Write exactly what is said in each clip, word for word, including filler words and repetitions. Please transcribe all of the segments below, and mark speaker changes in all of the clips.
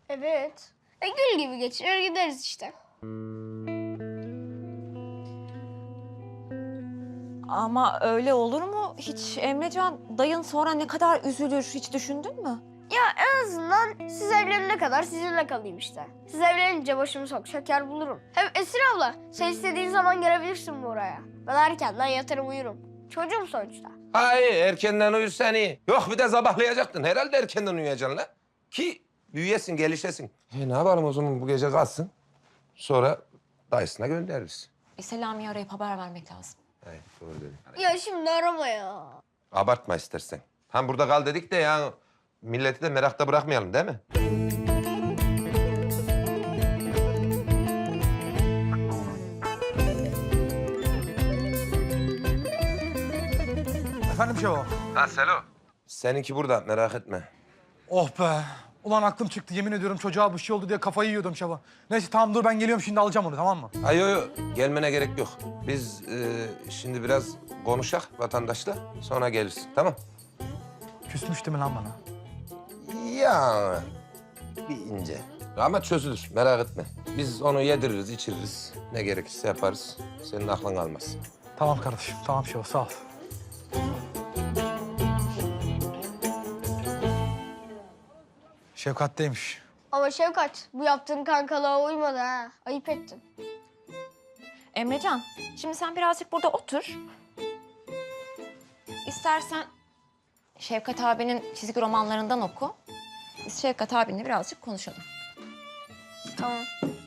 Speaker 1: Evet. E gül gibi geçirir gideriz işte.
Speaker 2: Ama öyle olur mu? Hiç Emrecan, dayın sonra ne kadar üzülür hiç düşündün mü?
Speaker 1: Ya en azından siz evlenene kadar sizinle kalayım işte. Siz evlenince başımı sokacak yer bulurum. Hem Esir abla sen istediğin zaman gelebilirsin buraya. Ben erkenden yatarım uyurum. Çocuğum sonuçta.
Speaker 3: Hayır, erkenden uyusan iyi. Yok bir de sabahlayacaktın. Herhalde erkenden uyuyacaksın la. Ki büyüyesin, gelişesin. E, ne yapalım o zaman bu gece kalsın. Sonra dayısına göndeririz.
Speaker 2: E, Selami'yi arayıp haber vermek lazım.
Speaker 3: Hayır, doğru dedin.
Speaker 1: Ya şimdi arama ya.
Speaker 3: Abartma istersen. Hem burada kal dedik de ya milleti de merakta bırakmayalım değil mi?
Speaker 4: Efendim Şevo?
Speaker 3: Ha Selo. Seninki burada merak etme.
Speaker 4: Oh be. Ulan aklım çıktı yemin ediyorum çocuğa bir şey oldu diye kafayı yiyordum Şevo. Neyse tamam dur ben geliyorum şimdi alacağım onu tamam mı?
Speaker 3: Ay yo yo gelmene gerek yok. Biz e, şimdi biraz konuşak vatandaşla sonra gelirsin tamam?
Speaker 4: Küsmüştü mü lan bana?
Speaker 3: Ya bir ince. Ama çözülür merak etme. Biz onu yediririz içiririz. Ne gerekirse yaparız. Senin aklın kalmaz.
Speaker 4: Tamam kardeşim tamam Şevo sağ ol. Şefkat'teymiş.
Speaker 1: Ama Şevkat bu yaptığın kankalığa uymadı ha. Ayıp ettin.
Speaker 2: Emrecan, şimdi sen birazcık burada otur. İstersen Şevkat abinin çizgi romanlarından oku. Biz Şevkat abinle birazcık konuşalım.
Speaker 1: Tamam.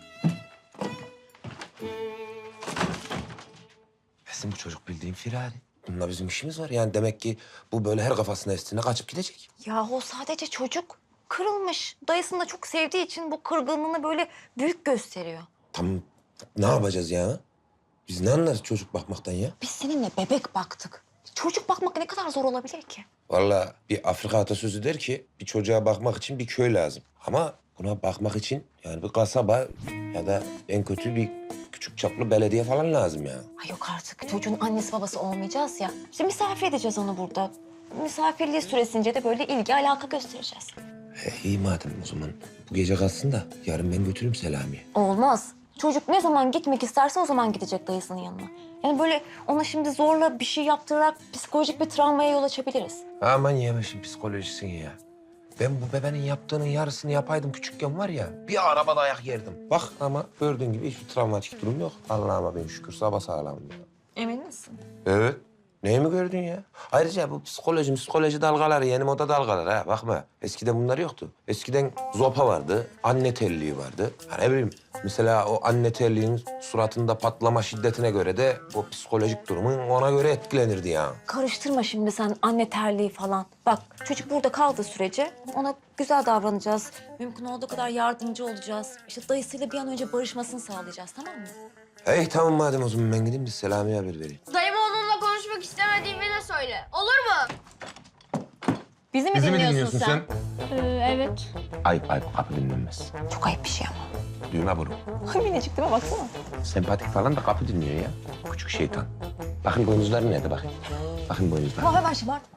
Speaker 3: Bizim bu çocuk bildiğin firari. Bununla bizim işimiz var. Yani demek ki bu böyle her kafasına estiğine kaçıp gidecek.
Speaker 2: Yahu sadece çocuk kırılmış. Dayısını da çok sevdiği için bu kırgınlığını böyle büyük gösteriyor.
Speaker 3: Tamam ne yapacağız ya? Biz ne anlarız çocuk bakmaktan ya?
Speaker 2: Biz seninle bebek baktık. Çocuk bakmak ne kadar zor olabilir ki?
Speaker 3: Vallahi bir Afrika atasözü der ki bir çocuğa bakmak için bir köy lazım. Ama buna bakmak için yani bir kasaba ya da en kötü bir küçük çaplı belediye falan lazım ya.
Speaker 2: Ay yok artık. Çocuğun annesi babası olmayacağız ya. İşte misafir edeceğiz onu burada. Misafirliği süresince de böyle ilgi alaka göstereceğiz.
Speaker 3: E, iyi madem o zaman. Bu gece kalsın da yarın ben götürürüm Selami'ye.
Speaker 2: Olmaz. Çocuk ne zaman gitmek isterse o zaman gidecek dayısının yanına. Yani böyle ona şimdi zorla bir şey yaptırarak psikolojik bir travmaya yol açabiliriz.
Speaker 3: Aman yemişim psikolojisini ya. Ben bu bebenin yaptığının yarısını yapaydım küçükken var ya bir araba dayak yerdim. Bak ama gördüğün gibi hiçbir travmatik durum yok. Allah'ıma bin şükür sapasağlamım ya.
Speaker 2: Emin misin?
Speaker 3: Evet. Neyi mi gördün ya? Ayrıca bu psikoloji, psikoloji dalgaları, yeni moda dalgaları ha. Bakma. Eskiden bunlar yoktu. Eskiden zopa vardı, anne terliği vardı. Ha ne bileyim, mesela o anne terliğin suratında patlama şiddetine göre de o psikolojik durumun ona göre etkilenirdi ya.
Speaker 2: Karıştırma şimdi sen anne terliği falan. Bak çocuk burada kaldığı sürece ona güzel davranacağız. Mümkün olduğu kadar yardımcı olacağız. İşte dayısıyla bir an önce barışmasını sağlayacağız, tamam mı?
Speaker 3: Hey tamam madem o zaman ben gideyim de Selami'ye haber vereyim.
Speaker 1: Dayıma onunla konuşmak istemediğimi de söyle. Olur mu?
Speaker 2: Bizi mi dinliyorsun, sen?
Speaker 1: Ee, evet.
Speaker 3: Ayıp ayıp kapı dinlenmez.
Speaker 2: Çok ayıp bir şey ama.
Speaker 3: Düğme burun.
Speaker 2: Ay minicik değil mi? Baksana.
Speaker 3: Sempatik falan da kapı dinliyor ya. Küçük şeytan. Bakın boynuzları nerede bakın. Bakın boynuzları.
Speaker 2: Ama hemen şımartma.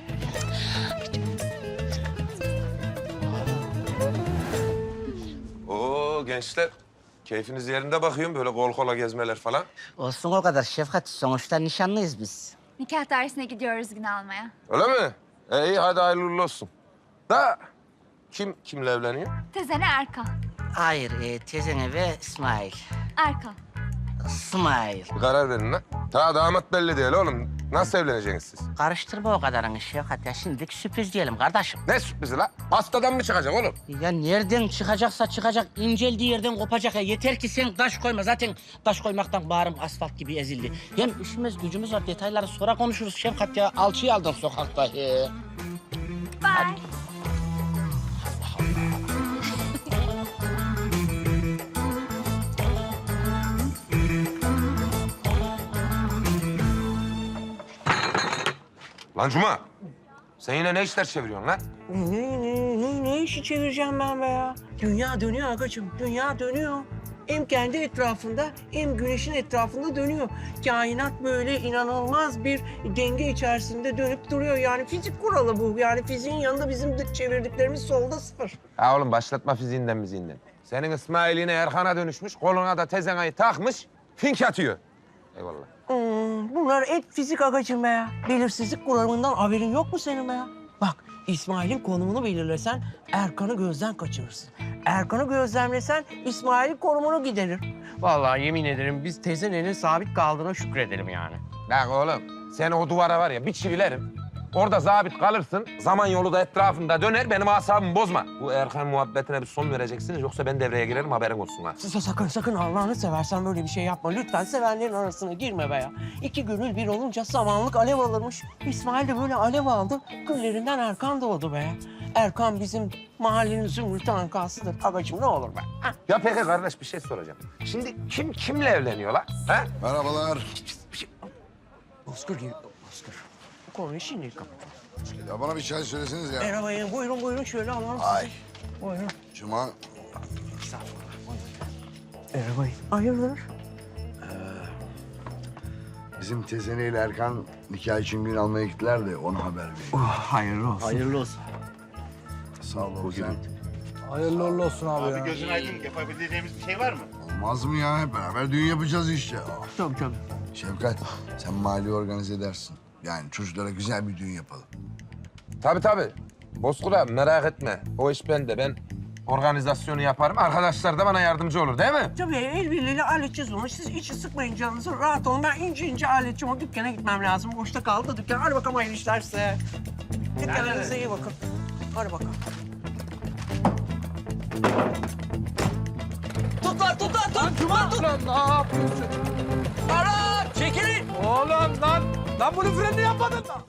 Speaker 3: Oo gençler. Keyfiniz yerinde bakıyorum böyle kol kola gezmeler falan.
Speaker 5: Olsun o kadar Şefkat. Sonuçta nişanlıyız biz.
Speaker 6: Nikah dairesine gidiyoruz gün almaya.
Speaker 3: Öyle mi? E, iyi hadi hayırlı uğurlu olsun. Da kim kimle evleniyor?
Speaker 6: Tezene Erkan.
Speaker 5: Hayır, e, teyzene ve İsmail.
Speaker 6: Erkan.
Speaker 5: İsmail.
Speaker 3: Bir karar verin lan. Ta damat belli değil oğlum. Nasıl evleneceksiniz siz?
Speaker 5: Karıştırma o kadarını Şefkat ya. Şimdilik sürpriz diyelim kardeşim.
Speaker 3: Ne sürprizi la? Hastadan mı çıkacak oğlum?
Speaker 5: Ya nereden çıkacaksa çıkacak, inceldiği yerden kopacak ya. Yeter ki sen taş koyma. Zaten taş koymaktan bağrım asfalt gibi ezildi. Hem işimiz gücümüz var. Detayları sonra konuşuruz Şefkat ya. Alçıyı aldın sokakta. He.
Speaker 6: Bye.
Speaker 3: Lan Cuma. Sen yine ne işler çeviriyorsun lan?
Speaker 7: Ne, ne, ne, ne işi çevireceğim ben be ya? Dünya dönüyor agacığım, dünya dönüyor. hem kendi etrafında hem güneşin etrafında dönüyor. Kainat böyle inanılmaz bir denge içerisinde dönüp duruyor. Yani fizik kuralı bu. Yani fiziğin yanında bizim de çevirdiklerimiz solda sıfır.
Speaker 3: Ha oğlum başlatma fiziğinden miziğinden. Senin İsmail'ine Erkan'a dönüşmüş, koluna da tezenayı takmış, fink atıyor. Eyvallah.
Speaker 7: Hmm, bunlar hep fizik agacım be ya. Belirsizlik kuramından haberin yok mu senin be ya? Bak İsmail'in konumunu belirlesen Erkan'ı gözden kaçırırsın. Erkan'ı gözlemlesen İsmail'in konumunu giderir. Vallahi yemin ederim biz tezenenin sabit kaldığına şükredelim yani.
Speaker 3: Bak oğlum, sen o duvara var ya bir çivilerim. Orada zabit kalırsın, zaman yolu da etrafında döner, benim asabımı bozma. Bu Erkan muhabbetine bir son vereceksiniz, yoksa ben devreye girerim, haberin olsun ha.
Speaker 7: Sa- Sakın sakın Allah'ını seversen böyle bir şey yapma. Lütfen sevenlerin arasına girme be ya. İki gönül bir olunca samanlık alev alırmış. İsmail de böyle alev aldı. Güllerinden Erkan doğdu be ya. Erkan bizim mahallenin zümrüt ankasıdır. Agacım ne olur be. Ha?
Speaker 3: Ya peki kardeş bir şey soracağım. Şimdi kim kimle evleniyor lan? Ha?
Speaker 8: Merhabalar.
Speaker 7: Bozkır gibi. Bozkır. Bu konuyu şimdi kapat.
Speaker 8: Ya bana bir çay söyleseniz ya.
Speaker 7: Merhaba ya. Buyurun buyurun şöyle alalım
Speaker 8: Ay.
Speaker 7: sizi. Buyurun.
Speaker 8: Cuma.
Speaker 7: Merhaba. Hayırdır?
Speaker 8: Bizim Tezene ile Erkan nikah için gün almaya gittiler de ona haber vereyim.
Speaker 7: Oh, hayırlı olsun.
Speaker 5: Hayırlı olsun.
Speaker 8: Sağ ol sen.
Speaker 4: Hayırlı uğurlu olsun abi, ya.
Speaker 9: Gözün aydın, yapabileceğimiz bir şey var mı?
Speaker 8: Olmaz mı ya? Hep beraber düğün yapacağız işte. Ah,
Speaker 7: Tabii tabii.
Speaker 8: Şefkat, sen mali organize edersin. Yani çocuklara güzel bir düğün yapalım.
Speaker 3: Tabii tabii. Bozkır'a merak etme, o iş bende. Ben organizasyonu yaparım, arkadaşlar da bana yardımcı olur değil mi?
Speaker 7: Tabii el birliğiyle halledeceğiz onu. Siz içi sıkmayın canınızı. Rahat olun. Ben ince ince halledeceğim. O dükkana gitmem lazım. Boşta kaldı dükkan. Hadi bakalım hayırlı işler size. Dükkanlarınıza iyi bakın. Hadi bakalım. Tut lan, tut lan, tut. Cuma tut.
Speaker 4: Lan ne yapıyorsun?
Speaker 7: Ara, çekilin.
Speaker 4: Oğlum lan! Lan bunu freni yapmadın mı?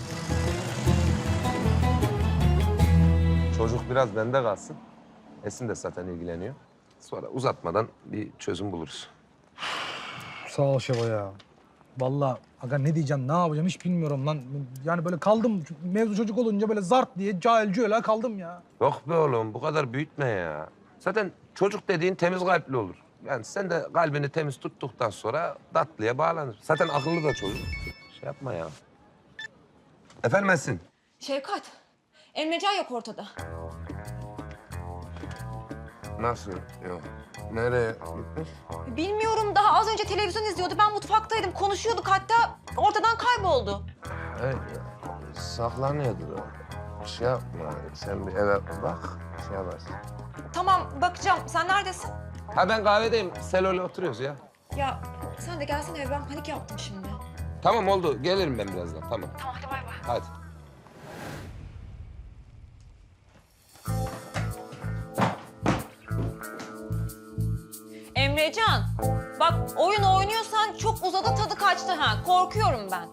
Speaker 3: Çocuk biraz bende kalsın. Esin de zaten ilgileniyor. Sonra uzatmadan bir çözüm buluruz.
Speaker 4: Sağ ol Şeva ya. Vallahi aga ne diyeceğim, ne yapacağım hiç bilmiyorum lan. Yani böyle kaldım, mevzu çocuk olunca böyle zart diye cahilce öyle kaldım ya.
Speaker 3: Yok be oğlum, bu kadar büyütme ya. Zaten çocuk dediğin temiz kalpli olur. Yani sen de kalbini temiz tuttuktan sonra tatlıya bağlanır. Zaten akıllı da çocuk. Şey yapma ya. Efendim Esin?
Speaker 2: Şevkat, Emrecan yok ortada.
Speaker 3: Nasıl? Yok. Nereye gitmiş?
Speaker 2: Bilmiyorum, daha az önce televizyon izliyordu. Ben mutfaktaydım, konuşuyorduk hatta. Ortadan kayboldu.
Speaker 3: Evet, saklanıyordur o. Şey yapma, sen bir eve bak, şey yaparsın.
Speaker 2: Tamam, bakacağım. Sen neredesin?
Speaker 3: Ha ben kahvedeyim, Selo'yla oturuyoruz ya.
Speaker 2: Ya sen de gelsene eve. Ben panik yaptım şimdi.
Speaker 3: Tamam oldu, gelirim ben birazdan, tamam.
Speaker 2: Tamam, hadi bay bay.
Speaker 3: Hadi.
Speaker 2: Emrecan, bak oyun oynuyorsan çok uzadı, tadı kaçtı ha. Korkuyorum ben.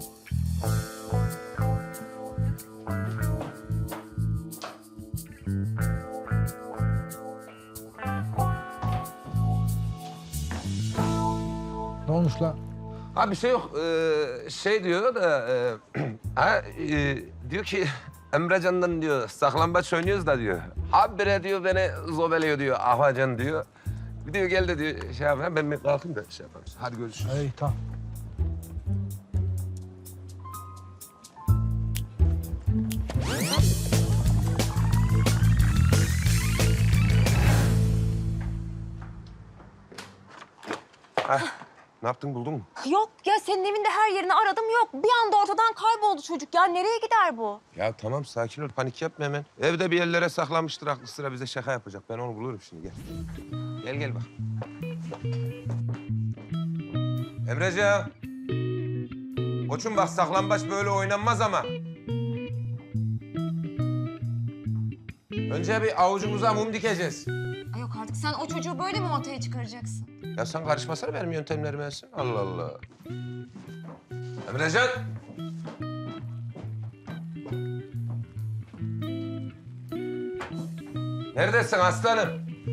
Speaker 4: Ne olmuş lan?
Speaker 3: Ha bir şey yok, ee, şey diyor da... E, ha, e, diyor ki Emrecan'dan diyor, saklambaç oynuyoruz da diyor. Habire diyor beni zobeliyor diyor, afacan diyor. Bir diyor gel de diyor şey yapayım, ben bir kalkayım da şey yapalım. Hadi görüşürüz.
Speaker 4: İyi tamam.
Speaker 3: Ne yaptın, buldun mu?
Speaker 2: Yok ya, senin evinde her yerini aradım, yok. Bir anda ortadan kayboldu çocuk ya. Nereye gider bu?
Speaker 3: Ya tamam sakin ol, panik yapma hemen. Evde bir yerlere saklanmıştır, aklı sıra bize şaka yapacak. Ben onu bulurum şimdi, gel. Gel gel bak. Emrecan. Koçum bak saklambaç böyle oynanmaz ama. Önce bir avucumuza mum dikeceğiz.
Speaker 2: Ay yok artık, sen o çocuğu böyle mi ortaya çıkaracaksın?
Speaker 3: Ya sen karışmasana benim yöntemlerime Esin. Allah Allah. Emrecan. Neredesin aslanım?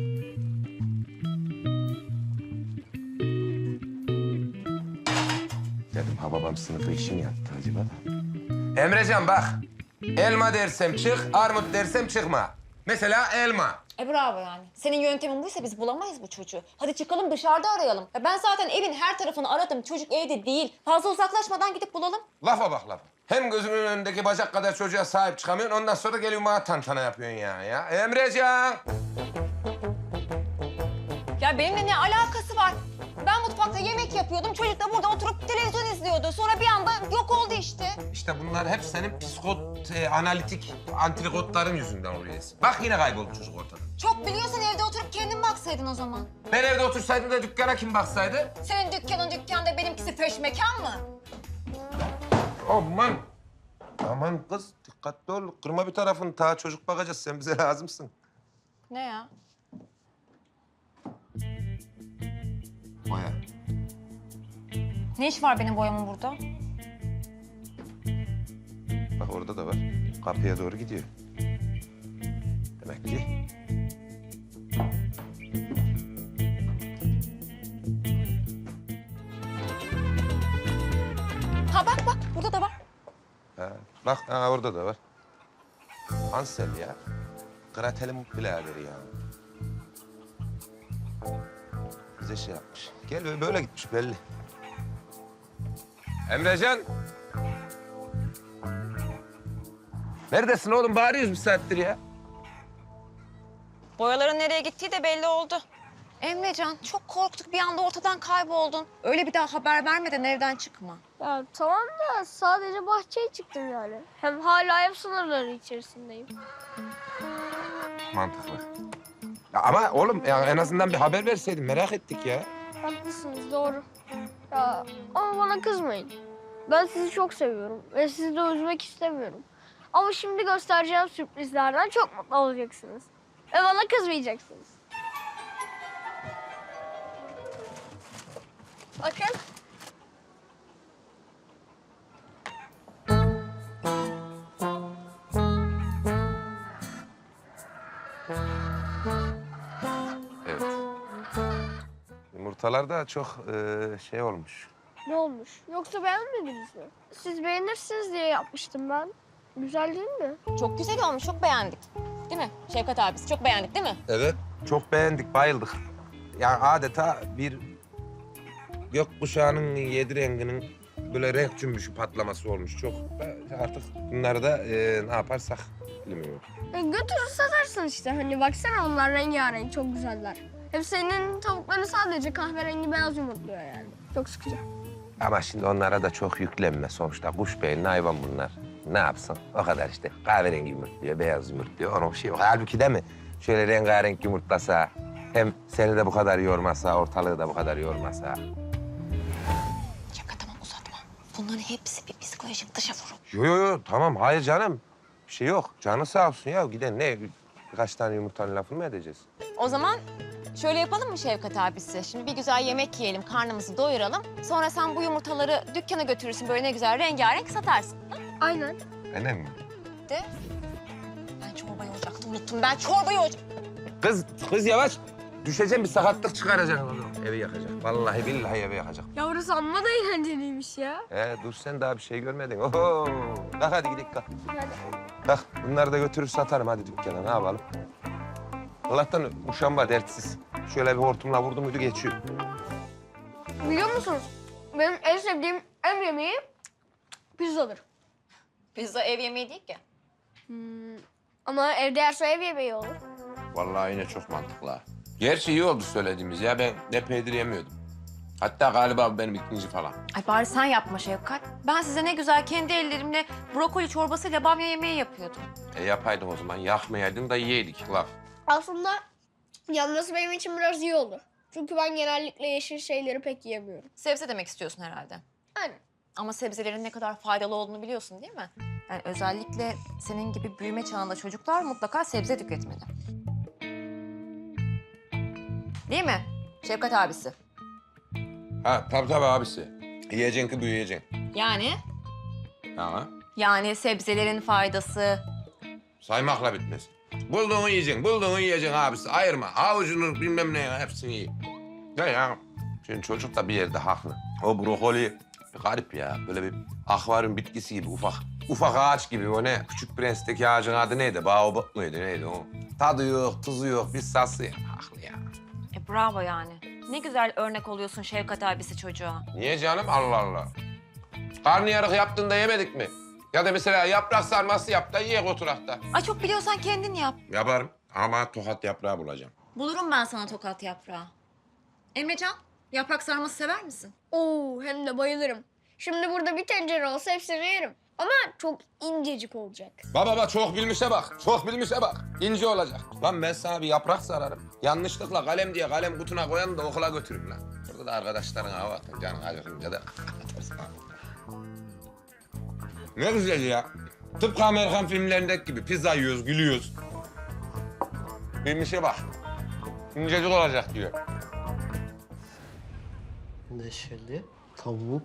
Speaker 3: Dedim ha babam sınıfı işi mi yaptı acaba da? Emrecan bak. Elma dersem çık, armut dersem çıkma. Mesela elma.
Speaker 2: E bravo yani. Senin yöntemin buysa biz bulamayız bu çocuğu. Hadi çıkalım dışarıda arayalım. Ya ben zaten evin her tarafını aradım. Çocuk evde değil. Fazla uzaklaşmadan gidip bulalım.
Speaker 3: Lafa bak lafa. Hem gözümün önündeki bacak kadar çocuğa sahip çıkamıyorsun, ondan sonra geliyorsun bana tantana yapıyorsun ya. ya. Emrecan!
Speaker 2: Ya benimle ne alakası var? Ben mutfakta yemek yapıyordum. Çocuk da burada oturup televizyon izliyordu. Sonra bir anda yok oldu işte.
Speaker 3: İşte bunlar hep senin psikot, e, analitik antrikotların yüzünden oluyor. Bak yine kayboldu çocuk ortada.
Speaker 2: Çok biliyorsan evde oturup kendin baksaydın o zaman.
Speaker 3: Ben evde otursaydım da dükkana kim baksaydı?
Speaker 2: Senin dükkanın dükkanda, benimkisi feş mekan mı?
Speaker 3: Aman! Aman kız, dikkatli ol. Kırma bir tarafını. Ta çocuk bakacağız. Sen bize lazımsın.
Speaker 2: Ne ya?
Speaker 3: Boya.
Speaker 2: Ne iş var benim boyamın burada?
Speaker 3: Bak orada da var. Kapıya doğru gidiyor. Demek ki...
Speaker 2: Ha bak bak, burada da var.
Speaker 3: Ha, bak ha, orada da var. Ansel ya. Gratel'in biraderi ya. Bize şey yapmış. Gel böyle, böyle gitmiş belli. Emrecan. Neredesin oğlum? Bağırıyoruz bir saattir ya.
Speaker 2: Boyaların nereye gittiği de belli oldu. Emrecan, çok korktuk. Bir anda ortadan kayboldun. Öyle bir daha haber vermeden evden çıkma.
Speaker 1: Ya tamam da sadece bahçeye çıktım yani. Hem hala ev sınırları içerisindeyim.
Speaker 3: Mantıklı. Ya ama oğlum ya en azından bir haber verseydin merak ettik ya.
Speaker 1: Haklısınız, doğru. Ya ama bana kızmayın. Ben sizi çok seviyorum ve sizi de üzmek istemiyorum. Ama şimdi göstereceğim sürprizlerden çok mutlu olacaksınız. Ve bana kızmayacaksınız. Bakın.
Speaker 3: Evet. Yumurtalar da çok e, şey olmuş.
Speaker 1: Ne olmuş? Yoksa beğenmediniz mi? Siz beğenirsiniz diye yapmıştım ben. Güzel değil mi?
Speaker 2: Çok güzel olmuş, çok beğendik. Değil mi Şevkat abisi? Çok beğendik değil mi?
Speaker 3: Evet. Çok beğendik, bayıldık. Yani adeta bir gökkuşağının yedi renginin böyle renk cümbüşü patlaması olmuş. Çok artık bunları da e, ne yaparsak bilmiyorum.
Speaker 1: E, götürür satarsın işte. Hani baksana onlar rengarenk, çok güzeller. Hem senin tavukların sadece kahverengi beyaz yumurtluyor yani. Çok sıkıcı.
Speaker 3: Ama şimdi onlara da çok yüklenme sonuçta. Kuş beyinli hayvan bunlar. Ne yapsın? O kadar işte. Kahverengi yumurtluyor, beyaz yumurtluyor. Onun bir şey yok. Halbuki değil mi? Şöyle rengarenk yumurtlasa, hem seni de bu kadar yormasa, ortalığı da bu kadar yormasa.
Speaker 2: Şevkat tamam uzatma. Bunların hepsi bir psikolojik dışa vurum.
Speaker 3: Yo yo yo tamam hayır canım. Bir şey yok. Canı sağ olsun ya. Giden ne? Birkaç tane yumurtanın lafını mı edeceğiz?
Speaker 2: O zaman şöyle yapalım mı Şevkat abisi? Şimdi bir güzel yemek yiyelim, karnımızı doyuralım. Sonra sen bu yumurtaları dükkana götürürsün, böyle ne güzel rengarenk satarsın. Ha?
Speaker 1: Aynen.
Speaker 3: Aynen mi?
Speaker 2: De. Ben çorbayı ocaktım, unuttum. Ben çorbayı ocak...
Speaker 3: Kız, kız yavaş. Düşeceğim bir sakatlık çıkaracak. Evi yakacak. Vallahi billahi evi yakacak.
Speaker 1: Ya burası amma da eğlenceliymiş ya.
Speaker 3: Ee, dur sen daha bir şey görmedin. Oho. Kalk hadi gidelim kalk.
Speaker 1: Hadi.
Speaker 3: Kalk bunları da götürür satarım hadi dükkana ne yapalım. Allah'tan uşağım var dertsiz. Şöyle bir hortumla vurdu muydu geçiyor.
Speaker 1: Biliyor musunuz? Benim en sevdiğim ev yemeği pizzadır.
Speaker 2: Pizza ev yemeği değil ki.
Speaker 1: Hmm. Ama evde yerse ev yemeği olur.
Speaker 3: Vallahi yine çok mantıklı ha. Gerçi iyi oldu söylediğimiz ya. Ben ne peynir yemiyordum. Hatta galiba bu benim ikinci falan.
Speaker 2: Ay bari sen yapma Şevkat. Ben size ne güzel kendi ellerimle brokoli çorbasıyla bamya yemeği yapıyordum.
Speaker 3: E yapaydın o zaman. Yakmayaydın da yiyeydik laf.
Speaker 1: Aslında yanması benim için biraz iyi olur. Çünkü ben genellikle yeşil şeyleri pek yiyemiyorum.
Speaker 2: Sebze demek istiyorsun herhalde.
Speaker 1: Aynen.
Speaker 2: Ama sebzelerin ne kadar faydalı olduğunu biliyorsun değil mi? Yani özellikle senin gibi büyüme çağında çocuklar mutlaka sebze tüketmeli. Değil mi Şevkat abisi?
Speaker 3: Ha tabii tabii abisi. Yiyeceksin ki büyüyeceksin.
Speaker 2: Yani?
Speaker 3: Ha.
Speaker 2: Yani sebzelerin faydası.
Speaker 3: Saymakla bitmez. Bulduğunu yiyeceksin, bulduğunu yiyeceksin abisi. Ayırma. Avucunu bilmem ne ya, hepsini yiyin. Ne ya? Şimdi çocuk da bir yerde haklı. O brokoli bir garip ya. Böyle bir akvaryum bitkisi gibi ufak. ufak ağaç gibi o ne? Küçük Prens'teki ağacın adı neydi? Baobab mıydı neydi o? Tadı yok, tuzu yok, biz sası ya. Haklı ya.
Speaker 2: E bravo yani. Ne güzel örnek oluyorsun Şevkat abisi çocuğa.
Speaker 3: Niye canım? Allah Allah. Karnıyarık yaptığında yemedik mi? Ya da mesela yaprak sarması yap da yiyek oturakta.
Speaker 2: Ay çok biliyorsan kendin yap.
Speaker 3: Yaparım ama tokat yaprağı bulacağım.
Speaker 2: Bulurum ben sana tokat yaprağı. Emrecan, yaprak sarması sever misin?
Speaker 1: Oo, hem de bayılırım. Şimdi burada bir tencere olsa hepsini yerim. Ama çok incecik olacak.
Speaker 3: Baba baba çok bilmişe bak, çok bilmişe bak. İnce olacak. Lan ben sana bir yaprak sararım. Yanlışlıkla kalem diye kalem kutuna koyan da okula götürürüm lan. Burada da arkadaşların hava atın, canın acıkınca da atarsın. Ne güzel ya. Tıpkı Amerikan filmlerindeki gibi pizza yiyoruz, gülüyoruz. Bilmişe bak. İncecik olacak diyor.
Speaker 10: Neşeli tavuk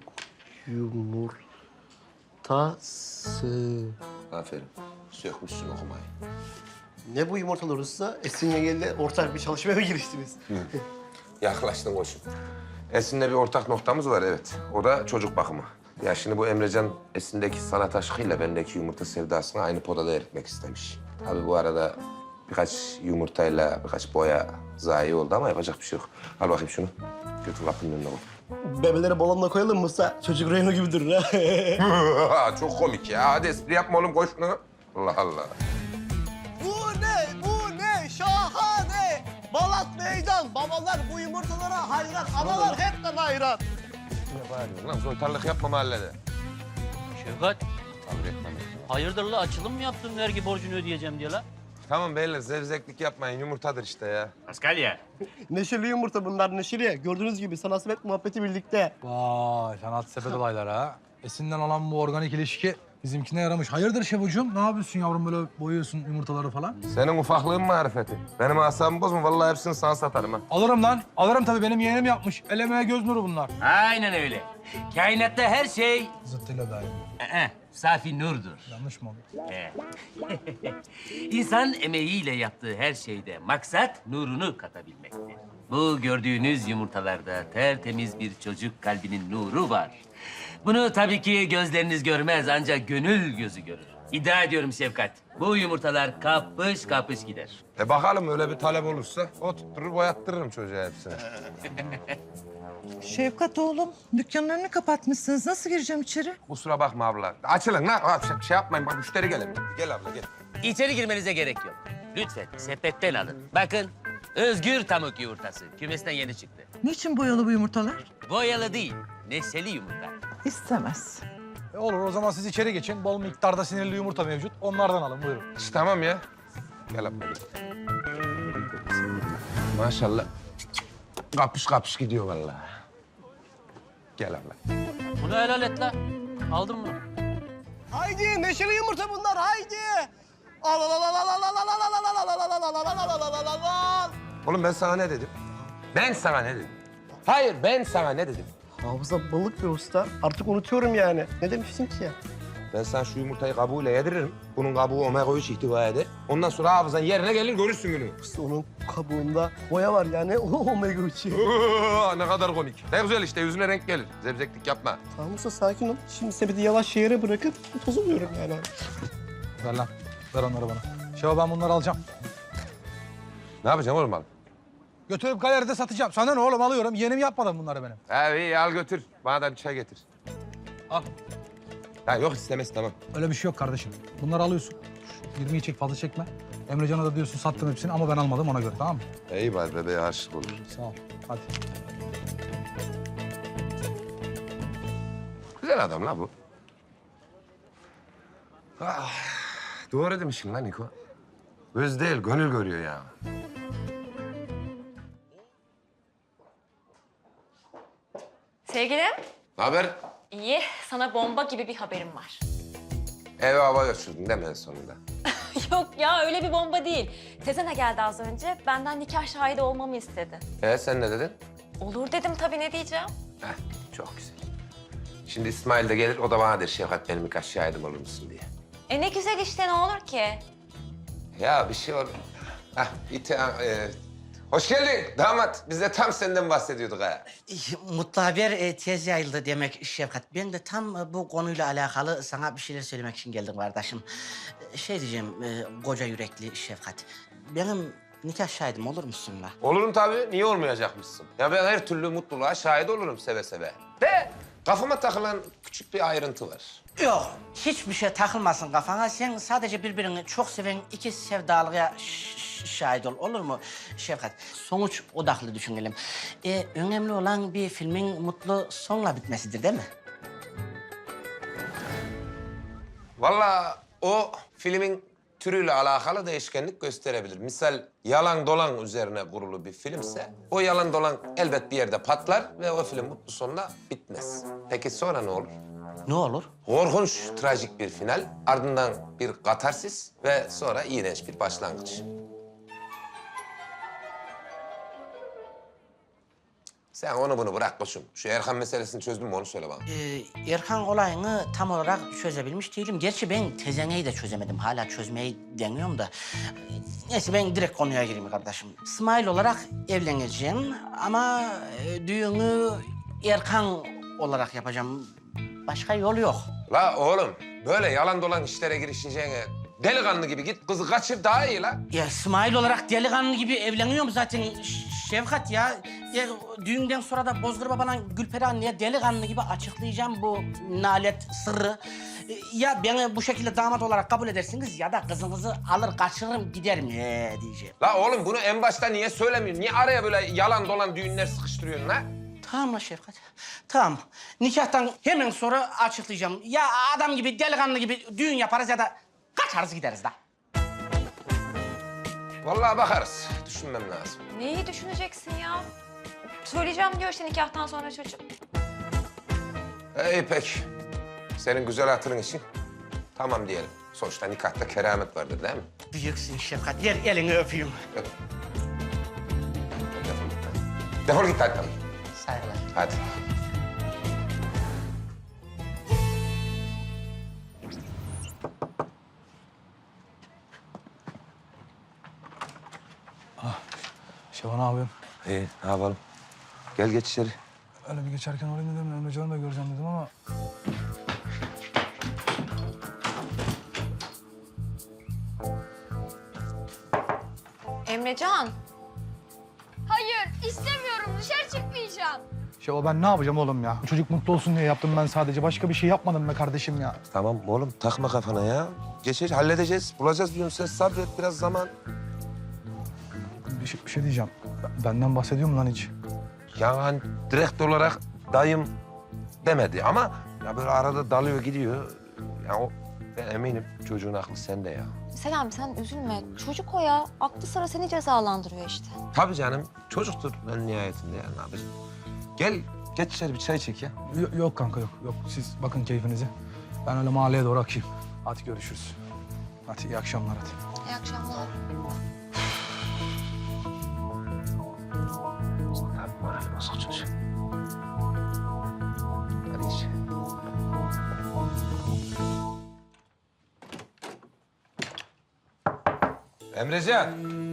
Speaker 10: yumurtası.
Speaker 3: Aferin. Sökmüşsün okumayı.
Speaker 10: Ne bu yumurtalar usta? Esin yengeyle ortak bir çalışmaya mı giriştiniz?
Speaker 3: Yaklaştın koçum. Esin'le bir ortak noktamız var evet. O da çocuk bakımı. Ya şimdi bu Emrecan Esin'deki sanat aşkıyla bendeki yumurta sevdasını aynı podada eritmek istemiş. Tabii bu arada birkaç yumurtayla birkaç boya zayi oldu ama yapacak bir şey yok. Al bakayım şunu. Götür kapının önüne koy.
Speaker 10: Bebeleri balonla koyalım mı usta? Çocuk Reyno gibi durur ha.
Speaker 3: Çok komik ya. Hadi espri yapma oğlum koy şunu. Allah Allah.
Speaker 10: Bu ne? Bu ne? Şahane! Balat meydan. Babalar bu yumurtalara hayran. Analar hepten hayran.
Speaker 3: Ne bağırıyorsun lan? Soytarlık yapma mahallede.
Speaker 11: Şevkat,
Speaker 3: Kabul etmem.
Speaker 11: hayırdır la açılım mı yaptın vergi borcunu ödeyeceğim diye la?
Speaker 3: Tamam beyler zevzeklik yapmayın. Yumurtadır işte ya.
Speaker 9: Paskalya.
Speaker 10: Neşeli yumurta bunlar neşeli. Gördüğünüz gibi sanat sepet muhabbeti birlikte.
Speaker 4: Vay sanat sepet olayları ha. Esin'den olan bu organik ilişki bizimkine yaramış. Hayırdır Şevocuğum? Ne yapıyorsun yavrum böyle boyuyorsun yumurtaları falan?
Speaker 3: Senin ufaklığın marifeti. Benim asabımı bozma. Vallahi hepsini sana satarım ha.
Speaker 4: Alırım lan. Alırım tabii. Benim yeğenim yapmış. El emeğe göz nuru bunlar.
Speaker 5: Aynen öyle. Kainatta her şey
Speaker 4: Zıttıyla dair.
Speaker 5: ee, safi nurdur.
Speaker 4: Yanlış mı oldu?
Speaker 5: Ee. İnsan emeğiyle yaptığı her şeyde maksat nurunu katabilmektir. Bu gördüğünüz yumurtalarda tertemiz bir çocuk kalbinin nuru var. Bunu tabii ki gözleriniz görmez ancak gönül gözü görür. İddia ediyorum Şefkat. Bu yumurtalar kapış kapış gider.
Speaker 3: E bakalım öyle bir talep olursa o tutturur boyattırırım çocuğa hepsini.
Speaker 12: Şevkat oğlum, dükkanın önünü kapatmışsınız. Nasıl gireceğim içeri?
Speaker 3: Kusura bakma abla. Açılın lan. Ha, şey, şey yapmayın bak müşteri gelebilir. Gel abla gel.
Speaker 5: İçeri girmenize gerek yok. Lütfen sepetten alın. Bakın özgür tavuk yumurtası. Kümesten yeni çıktı.
Speaker 12: Niçin boyalı bu yumurtalar?
Speaker 5: Boyalı değil, neşeli yumurta.
Speaker 12: İstemez.
Speaker 4: E olur o zaman siz içeri geçin. Bol miktarda sinirli yumurta mevcut. Onlardan alın buyurun.
Speaker 3: İşte tamam ya. Gel abla gel. Maşallah. Kapış kapış gidiyor vallahi. Gel abla.
Speaker 11: Bunu helal et la. Aldın mı?
Speaker 10: Haydi neşeli yumurta bunlar haydi. Al al al al al al al al al al al al al al al al al al al.
Speaker 3: Oğlum ben sana ne dedim? Ben sana ne dedim? Hayır ben sana ne dedim?
Speaker 10: Hafıza balık bir usta. Artık unutuyorum yani. Ne demiştin ki ya?
Speaker 3: Ben sana şu yumurtayı kabuğuyla yediririm. Bunun kabuğu omega üç ihtiva eder. Ondan sonra hafızan yerine gelir görürsün gününü.
Speaker 10: İşte onun kabuğunda boya var yani. O omega üçü.
Speaker 3: Ne kadar komik. Ne güzel işte yüzüne renk gelir. Zevzeklik yapma.
Speaker 10: Tamam usta sakin ol. Şimdi sepeti yavaş yere bırakıp tozuluyorum yani.
Speaker 4: Ver lan. Ver onları bana. Şeva ben bunları alacağım.
Speaker 3: Ne yapacağım oğlum abi?
Speaker 4: Götürüp galeride satacağım. Sana ne oğlum alıyorum. Yeğenim yapmadı bunları benim.
Speaker 3: Ha iyi al götür. Bana da bir çay getir.
Speaker 4: Al.
Speaker 3: Ha yok istemez tamam.
Speaker 4: Öyle bir şey yok kardeşim. Bunları alıyorsun. Şu yirmiyi çek fazla çekme. Emrecan'a da diyorsun sattım hepsini ama ben almadım ona göre tamam mı?
Speaker 3: İyi bari bebeğe aşık olur.
Speaker 4: Sağ ol. Hadi.
Speaker 3: Güzel adam la bu. Ah, doğru demişsin lan Niko. Göz değil, gönül görüyor ya.
Speaker 2: Sevgilim.
Speaker 3: Ne haber?
Speaker 2: İyi. Sana bomba gibi bir haberim var.
Speaker 3: Eve hava götürdün değil mi en sonunda?
Speaker 2: Yok ya öyle bir bomba değil. Tezene geldi az önce. Benden nikah şahidi olmamı istedi.
Speaker 3: Ee sen ne dedin?
Speaker 2: Olur dedim tabii ne diyeceğim.
Speaker 3: Heh, çok güzel. Şimdi İsmail de gelir, o da bana der Şevkat benim birkaç şahidim olur musun diye.
Speaker 2: E ne güzel işte ne olur ki.
Speaker 3: Ya bir şey olur. Heh, ite, e, Hoş geldin damat. Biz de tam senden bahsediyorduk ha.
Speaker 5: Mutlu haber e, tez yayıldı demek Şefkat. Ben de tam e, bu konuyla alakalı sana bir şeyler söylemek için geldim kardeşim. E, Şey diyeceğim, e, koca yürekli Şefkat. Benim nikah şahidim olur musun la?
Speaker 3: Olurum tabii. Niye olmayacakmışsın? Ya ben her türlü mutluluğa şahit olurum seve seve. De kafama takılan küçük bir ayrıntı var.
Speaker 5: Yok, hiçbir şey takılmasın kafana. Sen sadece birbirini çok seven iki sevdalıya ş- ş- şahit ol. Olur mu Şefkat? Sonuç odaklı düşünelim. Ee, önemli olan bir filmin mutlu sonla bitmesidir değil mi?
Speaker 3: Vallahi o filmin türüyle alakalı değişkenlik gösterebilir. Misal yalan dolan üzerine kurulu bir filmse o yalan dolan elbet bir yerde patlar ve o film mutlu sonla bitmez. Peki sonra ne olur?
Speaker 5: Ne olur?
Speaker 3: Korkunç, trajik bir final, ardından bir katarsis ve sonra iğrenç bir başlangıç. Sen onu bunu bırak koçum. Şu Erkan meselesini çözdün mü onu söyle bana.
Speaker 5: Ee, Erkan olayını tam olarak çözebilmiş değilim. Gerçi ben tezeneyi de çözemedim. Hala çözmeyi deniyorum da. Neyse ben direkt konuya gireyim kardeşim. İsmail olarak evleneceğim ama e, düğünü Erkan olarak yapacağım. Başka yol yok.
Speaker 3: La oğlum, böyle yalan dolan işlere girişeceğine delikanlı gibi git kızı kaçır daha iyi la.
Speaker 5: Ya İsmail olarak delikanlı gibi evleniyorum zaten Ş- Şefkat ya. Ya düğünden sonra da Bozkır Baba'la Gülperi anneye delikanlı gibi açıklayacağım bu nalet sırrı. E, Ya beni bu şekilde damat olarak kabul edersiniz ya da kızınızı alır kaçırırım giderim ee, diyeceğim.
Speaker 3: La oğlum bunu en başta niye söylemiyorsun? Niye araya böyle yalan dolan düğünler sıkıştırıyorsun la?
Speaker 5: Tamam la Şefkat. Tamam. Nikahtan hemen sonra açıklayacağım. Ya adam gibi delikanlı gibi düğün yaparız ya da kaçarız gideriz da.
Speaker 3: Vallahi bakarız. Düşünmem lazım.
Speaker 2: Neyi düşüneceksin ya? Söyleyeceğim diyor işte nikahtan sonra çocuk.
Speaker 3: İyi peki. Senin güzel hatırın için tamam diyelim. Sonuçta nikahta keramet vardır değil mi?
Speaker 5: Büyüksün Şefkat. Ver elini öpeyim.
Speaker 3: Defol git. Defol git hadi.
Speaker 5: Saygılar.
Speaker 3: Hadi.
Speaker 4: Şevval ne yapıyorsun?
Speaker 3: İyi ne yapalım? Gel geç içeri.
Speaker 4: Öyle bir geçerken olayım dedim. Emre Can'ı da göreceğim dedim ama...
Speaker 2: Emrecan.
Speaker 1: Hayır, istemiyorum. Dışarı çıkmayacağım.
Speaker 4: Şevval ben ne yapacağım oğlum ya? Bu çocuk mutlu olsun diye yaptım ben sadece. Başka bir şey yapmadım be kardeşim ya.
Speaker 3: Tamam oğlum takma kafana ya. Geçer halledeceğiz. Bulacağız diyorum sen sabret biraz zaman.
Speaker 4: Bir şey, bir şey diyeceğim. Benden bahsediyor mu lan hiç?
Speaker 3: Yani direkt olarak dayım demedi ama ya böyle arada dalıyor gidiyor. Ya o ben eminim çocuğun aklı sende ya.
Speaker 2: Selami sen üzülme. Çocuk o ya. Aklı sıra seni cezalandırıyor işte.
Speaker 3: Tabii canım çocuktur en nihayetinde yani ne yapacağım. Gel geç içeri bir çay çek ya.
Speaker 4: Yok, yok kanka yok. Yok siz bakın keyfinize. Ben öyle mahalleye doğru akayım. Hadi görüşürüz. Hadi iyi akşamlar hadi.
Speaker 2: İyi akşamlar.
Speaker 3: Moral bozuk çocuk. Hadi iç. Emrecan.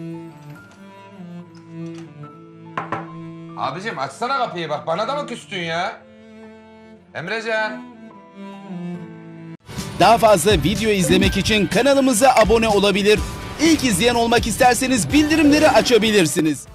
Speaker 3: Abicim açsana kapıyı bak bana da mı küstün ya? Emrecan.
Speaker 13: Daha fazla video izlemek için kanalımıza abone olabilir. İlk izleyen olmak isterseniz bildirimleri açabilirsiniz.